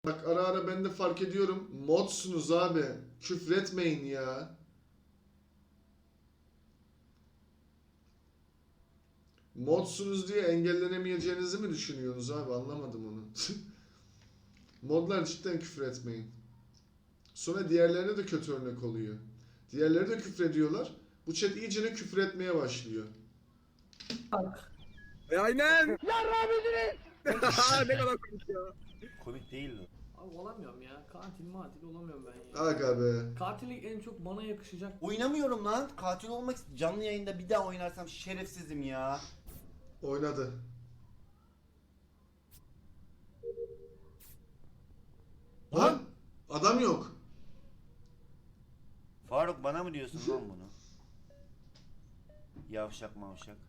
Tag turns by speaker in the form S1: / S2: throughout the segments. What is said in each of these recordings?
S1: Bak ara ara ben de fark ediyorum. Modsunuz abi. Küfretmeyin ya. Modsunuz diye engellenemeyeceğinizi mi düşünüyorsunuz abi? Anlamadım onu. Modlar cidden küfür etmeyin. Sonra diğerlerine de kötü örnek oluyor. Diğerleri de küfür ediyorlar. Bu chat iyicene küfür etmeye başlıyor.
S2: Aynen. Ne kadar komik ya.
S3: Komik değildi.
S4: Abi olamıyorum ya. Katil matil olamıyorum ben ya.
S1: Aga be.
S4: Katillik en çok bana yakışacak.
S3: Oynamıyorum lan. Katil olmak canlı yayında bir daha oynarsam şerefsizim ya.
S1: Oynadı. Lan adam yok.
S3: Faruk bana mı diyorsun lan bunu? Yavşak mavşak.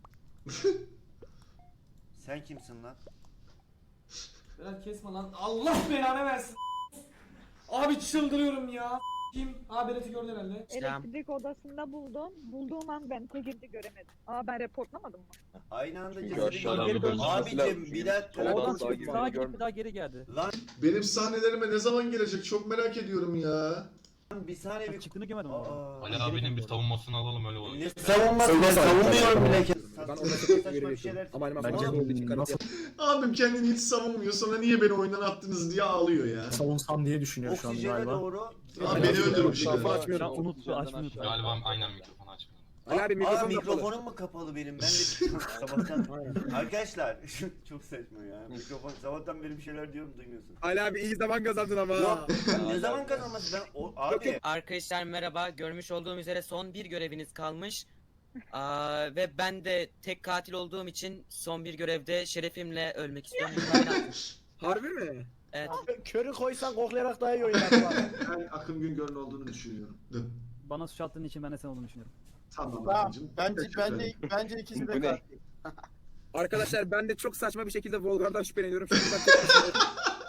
S3: Sen kimsin lan?
S4: Biraz kesme lan. Allah belanı versin. Abi çıldırıyorum ya. Kim? Abi Berat'ı gördün herhalde.
S5: Elektrik odasında buldum. Bulduğum an ben Tegir'de göremedim. Aa ben reportlamadım mı?
S3: Aynı anda
S6: Çünkü
S3: cesedi
S6: aşağıdan
S3: geri
S6: bir
S3: dön.
S6: dönmesi
S3: Abicim
S6: lazım.
S3: bir dakika.
S6: Oradan
S7: Sağa
S6: çıkıp
S7: gidip
S6: sağa
S7: gidip
S6: gidip
S7: bir daha geri geldi.
S3: Lan
S1: Benim sahnelerime ne zaman gelecek çok merak ediyorum ya.
S3: bir saniye bir...
S7: Çıktığını görmedim ama.
S3: Aa,
S8: Ali abinin bir savunmasını alalım öyle olur.
S3: ne savunması? Ben savunmuyorum bile.
S2: Ben
S3: Saçma
S2: ona
S3: saçma
S2: göre
S3: şeyler.
S2: yapıyorum. Ama animasyon
S6: Bence
S2: olduğu için kanıt
S6: nasıl
S1: Abim kendini hiç savunmuyor sonra niye beni oyundan attınız diye ağlıyor ya.
S6: savunsam diye düşünüyor şu an
S3: Oksijene
S6: galiba.
S3: doğru.
S1: Abi beni öldürmüş.
S2: Mikrofon
S1: ya.
S2: açmıyorum.
S7: Unuttu, açmıyor.
S8: Galiba aynen mikrofonu açmıyor.
S2: Ali abi
S3: Aa,
S2: mikrofon kapalı.
S3: mikrofonum mu kapalı benim? Ben de sabahtan... Arkadaşlar çok saçma ya. Mikrofon sabahtan beri bir şeyler diyorum duymuyorsun.
S2: Ali abi iyi zaman kazandın ama.
S3: Yok ne zaman kazanması ben o abi.
S9: Arkadaşlar merhaba. Görmüş olduğum üzere son bir göreviniz kalmış. Ve ben de tek katil olduğum için son bir görevde şerefimle ölmek istiyorum.
S2: Harbi mi?
S9: Evet.
S7: Körü koysan koklayarak daha iyi oynar.
S1: Ben Akın Güngör'ün olduğunu düşünüyorum.
S7: Bana suç attığın için ben de sen olduğunu düşünüyorum.
S1: Tamam Akıncım.
S7: Bence ikisi
S6: Bu ne?
S2: Arkadaşlar ben de çok saçma bir şekilde Volgar'dan şüpheleniyorum. Şimdi ben tek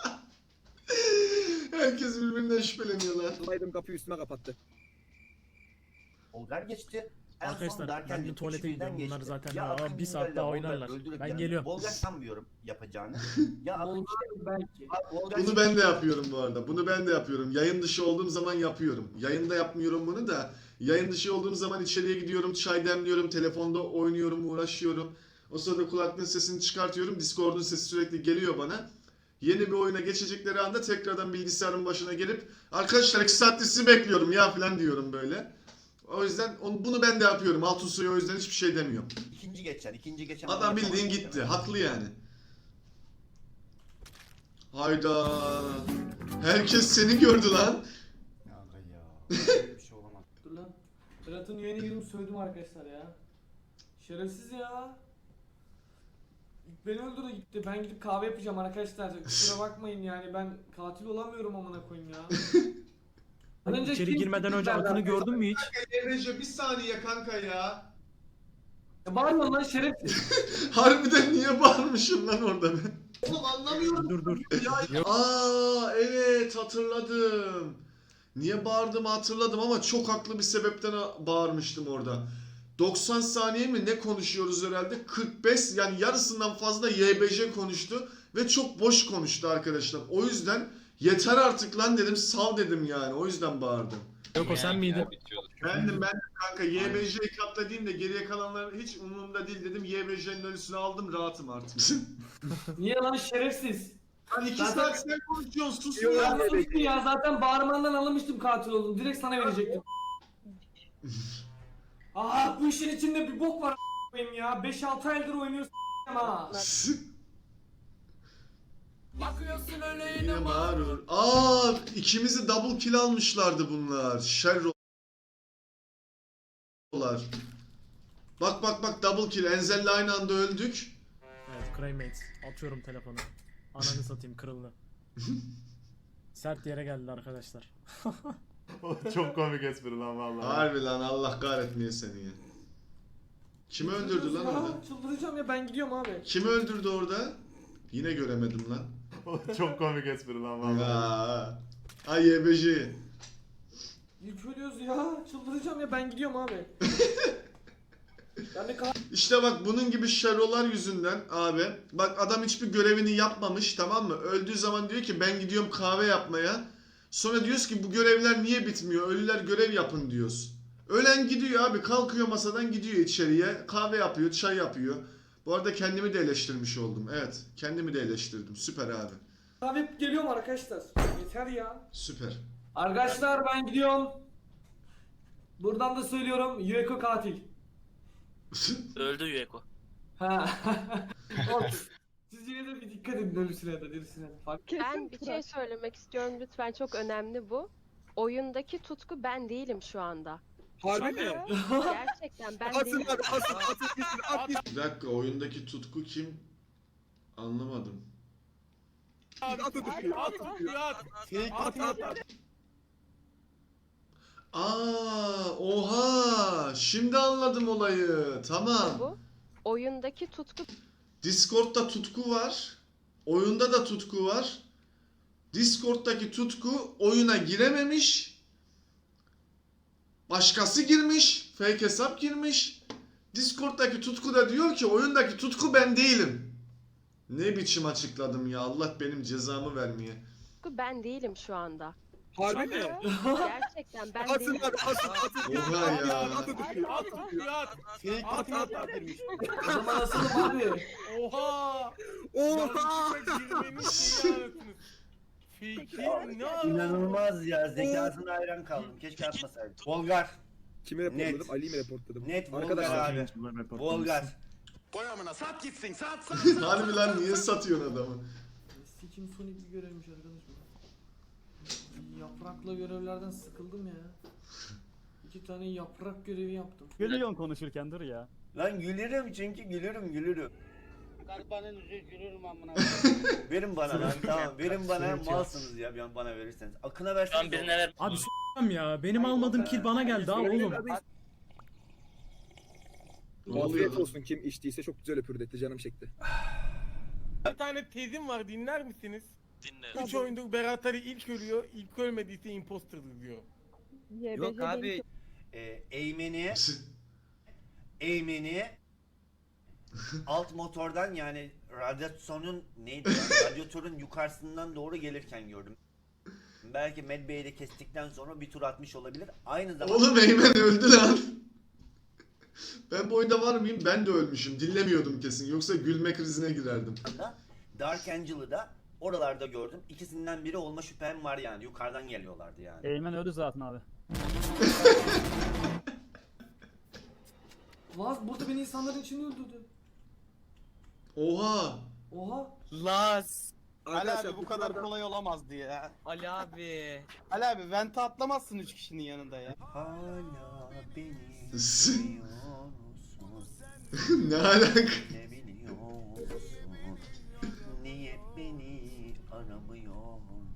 S1: Herkes birbirinden şüpheleniyorlar.
S2: başımaydım, kapıyı üstüme kapattı.
S3: Volgar geçti. En son
S10: Arkadaşlar,
S3: derken
S10: ben bir
S3: üç
S10: tuvalete
S3: birden
S10: gidiyorum. Bunlar
S3: geçti.
S10: zaten
S3: Ya
S10: daha
S3: Akın
S10: bir saat
S3: Güngör'le
S10: daha
S3: Volgar
S10: oynarlar.
S3: öldürüp
S10: Ben
S3: yani
S10: geliyorum.
S3: Volgar sanmıyorum yapacağını. Ya Akın
S4: Belki.
S3: Volgar
S1: Bunu ben de yapıyorum bu arada. Bunu ben de yapıyorum. Yayın dışı olduğum zaman yapıyorum. Yayında yapmıyorum bunu da. Yayın dışı olduğum zaman içeriye gidiyorum, çay demliyorum, telefonda oynuyorum, uğraşıyorum. O sırada kulaklığın sesini çıkartıyorum. Discord'un sesi sürekli geliyor bana. Yeni bir oyuna geçecekleri anda tekrardan bilgisayarın başına gelip arkadaşlar 2 saattir sizi bekliyorum ya falan diyorum böyle. O yüzden bunu ben de yapıyorum. Altın suyu o yüzden hiçbir şey demiyorum.
S3: ikinci geçen
S1: Adam bildiğin gitti. Haklı yani. Hayda. Herkes seni gördü lan.
S3: Ya aga ya. Böyle bir şey olamaz.
S4: Dur lan. Berat'ın üyene girdim sövdüm arkadaşlar ya. Şerefsiz ya. İlk beni öldürdü gitti. Ben gidip kahve yapacağım arkadaşlar. Kusura bakmayın yani ben katil olamıyorum amına koyayım ya.
S10: Hani içeri
S4: kim-
S10: girmeden önce Akın'ı gördün mü hiç?
S1: Emre'ce bir saniye kanka ya.
S4: Ya bağırma lan şerefsiz.
S1: Harbiden niye bağırmışım lan orada ben? Oğlum anlamıyorum.
S10: Dur.
S1: Aa evet hatırladım. Niye bağırdığımı hatırladım ama çok haklı bir sebepten bağırmıştım orada. 90 saniye mi ne konuşuyoruz herhalde? 45 yani yarısından fazla YBJ konuştu ve çok boş konuştu arkadaşlar. O yüzden yeter artık lan dedim, sal dedim yani. O yüzden bağırdım.
S10: Yok o sen miydin?
S1: Bendim kanka. YBJ'yi katladayım da geriye kalanlar hiç umurumda değil dedim. YBJ'nin ölüsünü aldım, rahatım artık.
S4: Niye lan şerefsiz?
S1: Lan 2
S4: Zaten-
S1: saat sen konuşuyorsun, sus
S2: Yok,
S1: ya.
S4: Ya sustum ya zaten bağırmandan anlamıştım katil oldum. Direkt sana verecektim. Aa bu işin içinde bir bok var a**ayım ya. 5-6 aydır oynuyorsun ha. Bakıyorsun öyle
S1: Yine mağrur. Aa ikimizi double kill almışlardı bunlar. Şerrolar. Bak double kill. Enzel'le aynı anda öldük.
S10: Evet Craymates. Atıyorum telefonu. Ananı satayım kırıldı. Sert yere geldi arkadaşlar.
S6: Çok komik espri lan vallahi.
S1: Harbi lan Allah kahretmeye seni ya. Kimi öldürdü lan orada?
S4: Çıldıracağım ya ben gidiyorum abi.
S1: Kimi öldürdü orada? Yine göremedim lan.
S6: Çok komik espri lan vallahi.
S1: Ya. Ay YBJ.
S4: İlk ölüyoruz ya. Çıldıracağım ya ben gidiyorum abi. Ben de
S1: İşte bak bunun gibi şerolar yüzünden abi. Bak adam hiçbir görevini yapmamış, tamam mı? Öldüğü zaman diyor ki ben gidiyorum kahve yapmaya. Sonra diyoruz ki bu görevler niye bitmiyor? Ölüler görev yapın diyoruz. Ölen gidiyor abi, kalkıyor masadan gidiyor içeriye. Kahve yapıyor, çay yapıyor. Bu arada kendimi de eleştirmiş oldum. Evet, kendimi de eleştirdim. Süper abi.
S4: kahve geliyorum arkadaşlar. Yeter ya.
S1: Süper.
S4: Arkadaşlar ben gidiyorum. Buradan da söylüyorum Yueko katil.
S9: Öldü Yueko.
S4: Ha. Of. Siz yine de bir dikkat edin ölüsüne de dirisine de. Fark.
S5: Kesin
S11: Bir şey söylemek istiyorum lütfen, çok önemli bu. Oyundaki Tutku ben değilim şu anda.
S2: Harbi mi?
S11: Gerçekten ben değilim.
S1: Bir dakika, oyundaki Tutku kim? Anlamadım. Aa, oha! Şimdi anladım olayı. Tamam.
S11: Bu. Oyundaki Tutku
S1: Discord'da Tutku var. Oyunda da Tutku var. Discord'daki Tutku oyuna girememiş. Başkası girmiş. Fake hesap girmiş. Discord'daki Tutku da diyor ki oyundaki Tutku ben değilim. Ne biçim açıkladım ya, Allah benim cezamı vermeye.
S11: ben değilim şu anda.
S2: Harbi mi?
S11: Gerçekten ben değilim.
S1: Oha ya.
S4: O zaman asılım abi.
S2: Oha!
S3: İnanılmaz ya. Zekasına hayran kaldım. Keşke atmasaydım. Volgar.
S2: Kimi reportladım? Ali'yi mi reportladım?
S3: Net Volgar
S2: Arkadaşlar.
S3: abi. Volgar.
S1: Harbi lan, niye satıyorsun adamı?
S4: Sikim Sonic bir görevmiş arkadaş bu. Yaprakla görevlerden sıkıldım ya. 2 tane yaprak görevi yaptım.
S7: Gülüyorsun konuşurken, dur ya.
S3: Lan gülerim çünkü gülürüm.
S7: Garibanın yüzü gülürüm amına.
S3: Verin bana lan, tamam. Verin bana, malsınız ya bir an bana verirseniz. Akına verseniz.
S9: ver.
S10: Abi s***am ya. Benim almadığım kill bana geldi ha oğlum.
S1: Ne oluyor
S2: Afiyet
S1: lan?
S2: olsun, kim içtiyse çok güzel öpürdü, canım çekti.
S7: Bir tane tezim var, dinler misiniz?
S9: Dinle.
S7: 3 oyundur Berat Ali ilk ölüyor, ilk ölmediyse imposter'dır diyor.
S9: Yok abi.
S3: Eğmeni alt motordan, yani radyasyonun neydi ya? Radyatörün yukarısından doğru gelirken gördüm. Belki Medbay'i de kestikten sonra bir tur atmış olabilir. Aynı zamanda
S1: Oğlum Eymen öldü lan. Ben bu oyunda var mıyım? Ben de ölmüşüm. Dinlemiyordum kesin. Yoksa gülme krizine girerdim.
S3: Dark Angel'ı da oralarda gördüm. İkisinden biri olma şüphem var yani. Yukarıdan geliyorlardı yani.
S7: Eymen öldü zaten abi.
S4: Lan burada beni insanların içinde öldürdü.
S1: Oha.
S4: Oha.
S9: Laz.
S7: Ali abi bu kadar kolay olamazdı ya.
S9: Ali abi.
S7: Ali abi vente atlamazsın 3 kişinin yanında ya.
S3: Hala beni
S1: S-
S3: biliyor musun?
S1: Ne alaka?
S3: Ne biliyorsun? Niye beni aramıyorsun?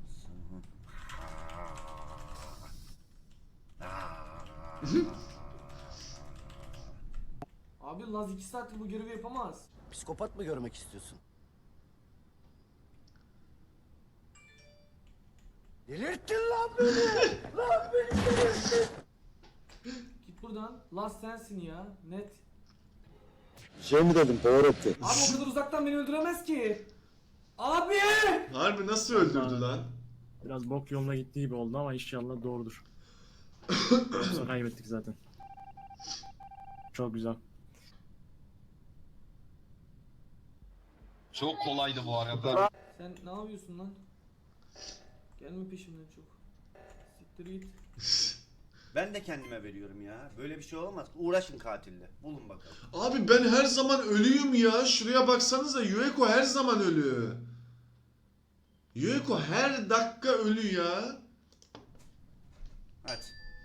S4: Abi Laz 2 saattir bu görevi yapamaz.
S3: Psikopat mı görmek istiyorsun? Delirttin lan beni! Lan beni delirttin!
S4: Git buradan. Laz sensin ya. Net.
S3: Şey mi dedim, Pavarotti?
S4: Abi o kadar uzaktan beni öldüremez ki. Abi!
S1: Harbi nasıl öldürdü lan?
S10: Biraz bok yoluna gittiği gibi oldu ama inşallah doğrudur. Yoksa kaybettik zaten. Çok güzel.
S8: Çok kolaydı bu arada.
S4: Sen ne yapıyorsun lan? Gelme peşimden çok. Siktir git.
S3: Ben de kendime veriyorum ya. Böyle bir şey olamaz. Uğraşın katille. Bulun bakalım.
S1: Abi ben her zaman ölüyüm ya. Şuraya baksanıza, Yueko her zaman ölü. Yueko her dakika ölü ya.
S3: Hadi.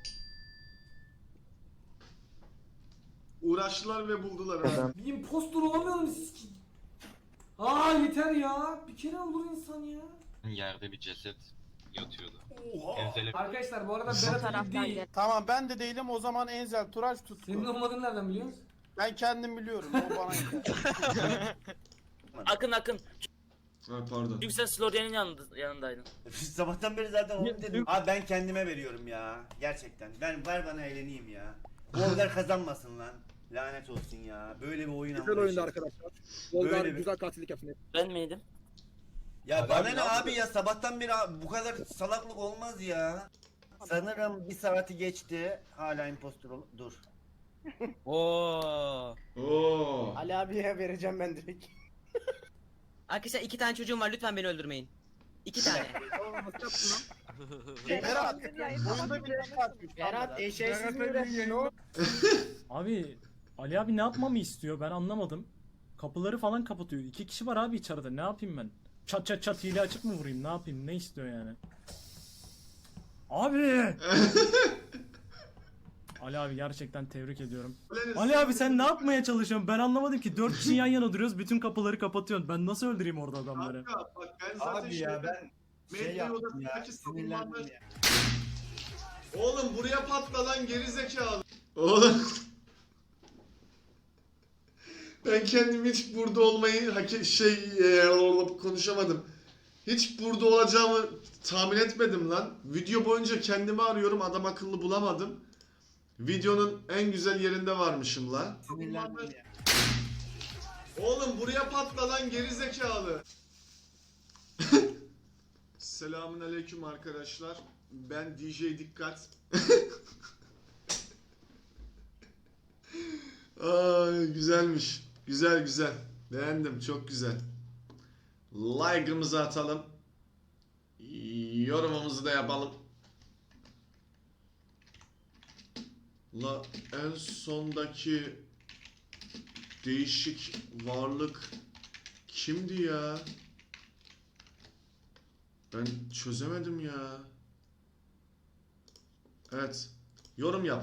S1: Uğraştılar ve buldular ha.
S4: Bir impostor olamıyorum siz ki. Aa yeter ya. Bir kere olur insan ya.
S8: Yerde bir ceset yatıyordu.
S3: Oha!
S8: Enzele
S4: Arkadaşlar bu arada Berat Ali değil.
S7: Tamam ben de değilim, o zaman Enzel Turaç Tutku.
S4: Senin olmadığını nereden biliyorsun?
S7: Ben kendim biliyorum, o bana yeter.
S9: Akın.
S1: Ha, pardon.
S9: Çünkü sen Slorian'ın yanındaydın.
S3: Sabahtan beri zaten onu dedim. Abi ben kendime veriyorum ya. Gerçekten. Ver bana eğleneyim ya. Bu oylar kazanmasın lan. Lanet olsun ya. Böyle bir oyun
S2: Güzel oyundu
S3: anlayışı.
S2: arkadaşlar. Volgar
S3: Böyle bir-
S2: güzel katillik yaptı.
S9: Ben miydim?
S3: Ya
S8: Abi
S3: bana
S8: abi,
S3: ne
S8: ne
S3: abi ya, sabahtan beri bu kadar salaklık olmaz ya. Sanırım bir saati geçti. Hala impostor dur.
S9: Oo.
S1: Oo.
S7: Ali abiye vereceğim ben direkt.
S9: Arkadaşlar 2 tane çocuğum var, lütfen beni öldürmeyin. 2 tane.
S7: Berat,
S5: Oyunda bile
S7: Berat eşeğsiz mi uğraşıyorsun?
S10: Abi Ali abi ne yapmamı istiyor ben anlamadım. Kapıları falan kapatıyor. 2 kişi var abi içeride. Ne yapayım ben? Çat çat çat hile açık mı vurayım? Ne yapayım? Ne istiyor yani? Abi! Ali abi gerçekten tebrik ediyorum. Ali abi sen ne yapmaya çalışıyorsun? Ben anlamadım ki. 4 kişi yan yana duruyoruz. Bütün kapıları kapatıyorsun. Ben nasıl öldüreyim orada adamları?
S1: Kanka bak ben zaten medya odasındaki savunmanlar... Oğlum buraya patla lan gerizekalı. Oğlum. Ben kendimi hiç burada olmayı konuşamadım. Hiç burada olacağımı tahmin etmedim lan. Video boyunca kendimi arıyorum, adam akıllı bulamadım. Videonun en güzel yerinde varmışım lan. Oğlum buraya patla lan gerizekalı. Selamun aleyküm arkadaşlar. Ben DJ Dikkat. Ay güzelmiş. Güzel güzel. Beğendim. Çok güzel. Like'ımızı atalım. Yorumumuzu da yapalım. La en sondaki değişik varlık kimdi ya? Ben çözemedim ya. Evet. Yorum yap.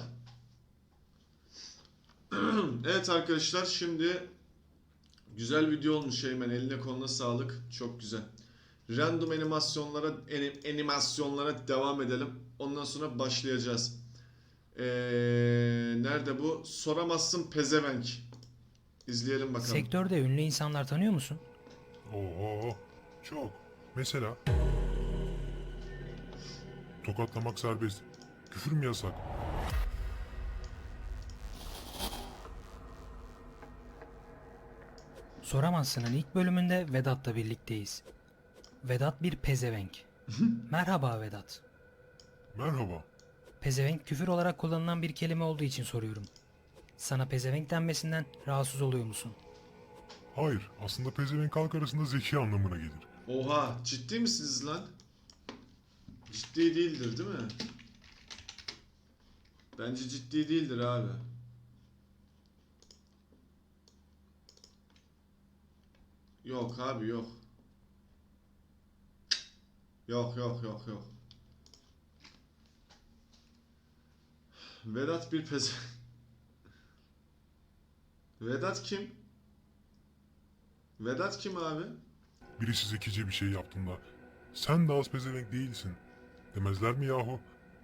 S1: Evet arkadaşlar şimdi güzel video olmuş Eymen. Eline koluna sağlık. Çok güzel. Random animasyonlara devam edelim. Ondan sonra başlayacağız. Nerede bu? Soramazsın pezevenk. İzleyelim bakalım.
S12: Sektörde ünlü insanlar tanıyor musun?
S6: Oo, çok. Mesela tokatlamak serbest. Küfür mü yasak?
S12: Soramazsın'ın ilk bölümünde Vedat'la birlikteyiz. Vedat bir pezevenk. Merhaba Vedat.
S6: Merhaba.
S12: Pezevenk küfür olarak kullanılan bir kelime olduğu için soruyorum. Sana pezevenk denmesinden rahatsız oluyor musun?
S6: Hayır, aslında pezevenk halk arasında zeki anlamına gelir.
S1: Oha, ciddi misiniz lan? Ciddi değildir değil mi? Bence ciddi değildir abi. Yok abi yok. Yok yok yok yok. Vedat bir peze... Vedat kim? Vedat kim abi?
S6: Birisi zekice bir şey yaptığında sen de az pezevenk değilsin demezler mi yahu?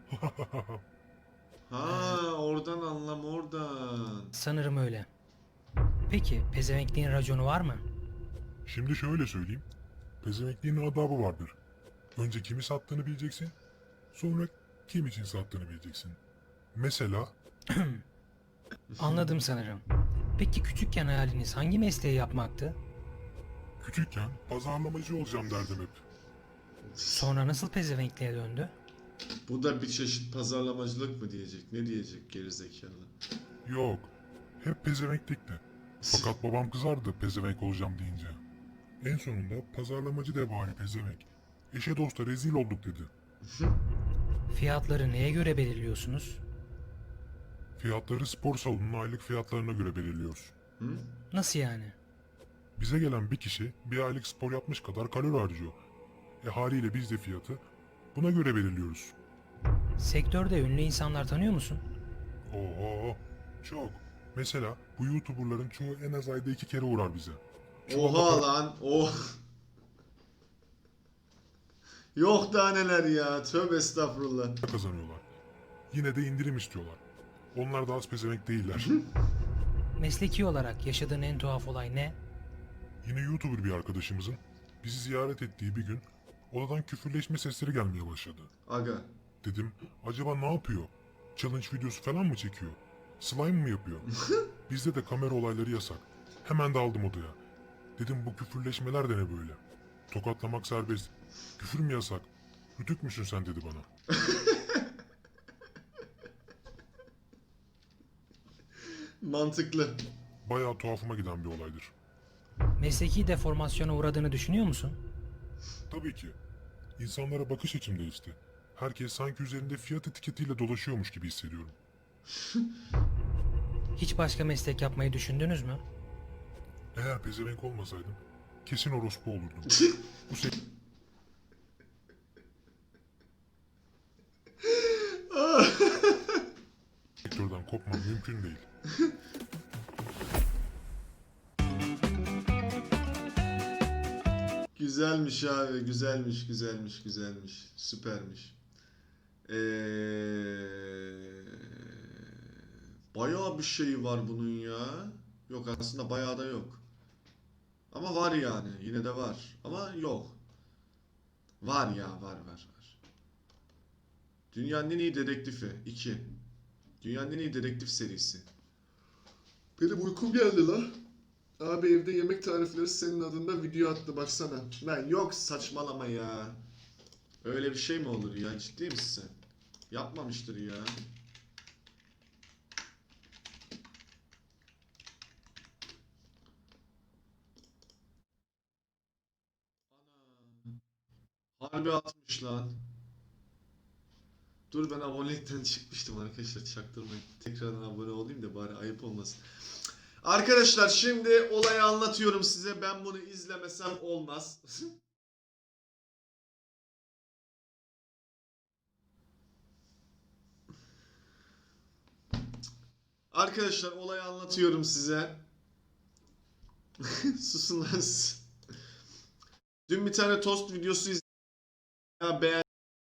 S1: Ha oradan anlam oradan.
S12: Sanırım öyle. Peki pezevenkliğin raconu var mı?
S6: Şimdi şöyle söyleyeyim. Pezevenkliğin adabı vardır. Önce kimi sattığını bileceksin. Sonra kim için sattığını bileceksin. Mesela
S12: Anladım sanırım. Peki küçükken hayaliniz hangi mesleği yapmaktı?
S6: küçükken pazarlamacı olacağım derdim hep.
S12: Sonra nasıl pezevenkliğe döndü?
S1: Bu da bir çeşit pazarlamacılık mı diyecek? Ne diyecek gerizekalı?
S6: Yok. Hep pezevenklikti. Fakat babam kızardı pezevenk olacağım deyince. En sonunda pazarlamacı de bari pezevenk. Eşe dosta rezil olduk dedi.
S12: Fiyatları neye göre belirliyorsunuz?
S6: Fiyatları spor salonunun aylık fiyatlarına göre belirliyoruz.
S12: Nasıl yani?
S6: Bize gelen bir kişi bir aylık spor yapmış kadar kalori harcıyor. Haliyle biz de fiyatı buna göre belirliyoruz.
S12: Sektörde ünlü insanlar tanıyor musun?
S6: Oo, çok. Mesela bu YouTuber'ların çoğu en az ayda 2 kere uğrar bize.
S1: Oha lan. Oh. Yok daha neler ya. Tövbe estağfurullah.
S6: Kazanıyorlar. Yine de indirim istiyorlar. Onlar da az pezevenk değiller.
S12: Mesleki olarak yaşadığın en tuhaf olay ne?
S6: Yine YouTuber bir arkadaşımızın bizi ziyaret ettiği bir gün odadan küfürleşme sesleri gelmeye başladı.
S1: Aga.
S6: Dedim acaba ne yapıyor? Challenge videosu falan mı çekiyor? Slime mı yapıyor? Bizde de kamera olayları yasak. Hemen daldım odaya. Dedim bu küfürleşmeler de ne böyle? Tokatlamak serbest. Küfür mü yasak? Rütük müsün sen dedi bana.
S1: Mantıklı.
S6: Bayağı tuhafıma giden bir olaydır.
S12: Mesleki deformasyona uğradığını düşünüyor musun?
S6: Tabii ki. İnsanlara bakış açım değişti. Herkes sanki üzerinde fiyat etiketiyle dolaşıyormuş gibi hissediyorum.
S12: Hiç başka meslek yapmayı düşündünüz mü?
S6: Eğer pezevenk olmasaydım kesin orospu olurdum. Bu sektörden kopmam mümkün değil.
S1: Güzelmiş abi, güzelmiş. Süpermiş. Bayağı bir şey var bunun ya. Yok aslında bayağı da yok. Ama var yani, yine de var. Ama yok. Var ya, var. Dünyanın en iyi dedektifi 2. Dünyanın en iyi dedektif serisi. Benim uykum geldi la. Abi evde yemek tarifleri senin adında video attı baksana. Lan yok saçmalama ya. Öyle bir şey mi olur ya, ciddi misin sen? Yapmamıştır ya. Ana. Harbi atmış lan. Dur ben abonelikten çıkmıştım arkadaşlar, çaktırmayın. Tekrardan abone olayım da bari ayıp olmasın. Arkadaşlar şimdi olayı anlatıyorum size. Ben bunu izlemesem olmaz. Arkadaşlar olayı anlatıyorum size. Susun lan siz. Dün bir tane tost videosu izledim.